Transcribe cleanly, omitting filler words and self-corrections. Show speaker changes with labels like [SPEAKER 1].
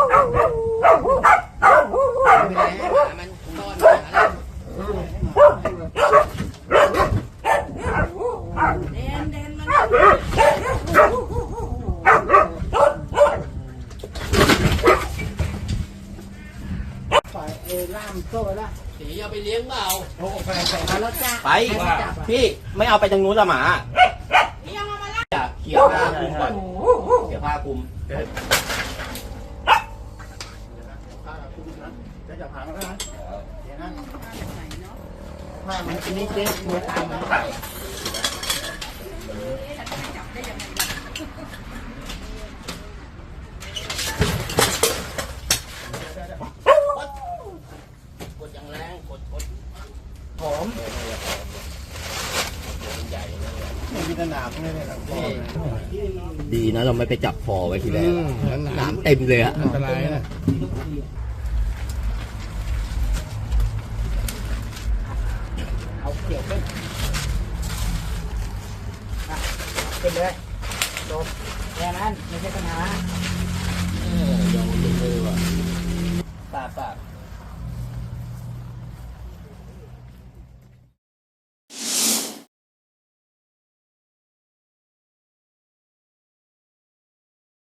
[SPEAKER 1] มันต้อนมาแล้วเด่นมัน
[SPEAKER 2] ปล่อยล่ามโซ่ละ
[SPEAKER 1] สีเอาไปเลี้ยงเปล่า
[SPEAKER 2] โอ้ไปแล้วจ้า
[SPEAKER 3] ไปพี่ไม่เอาไปทางนู้นละหมาอย่าเขี่ยผ้าคลุมก่อนเขี่ยผ้าคลุม
[SPEAKER 2] จะจับหางแล้วนะเดี๋ยวนะผ้ามันนิดเดียวมือตามมัน
[SPEAKER 1] กดอย่างแรงกด
[SPEAKER 2] หอมไม่มีหนามเลยเนี่ย
[SPEAKER 3] ดีนะเราไม่ไปจับคอไว้ทีแรกน้ำเต็มเลยอะ
[SPEAKER 2] อันตรายนะเอาเกี่ยวขึ้นขึ้นเลยโดนแค่นั้นไม่ใช่ปัญหา
[SPEAKER 3] ยอมเลยว่ะปาก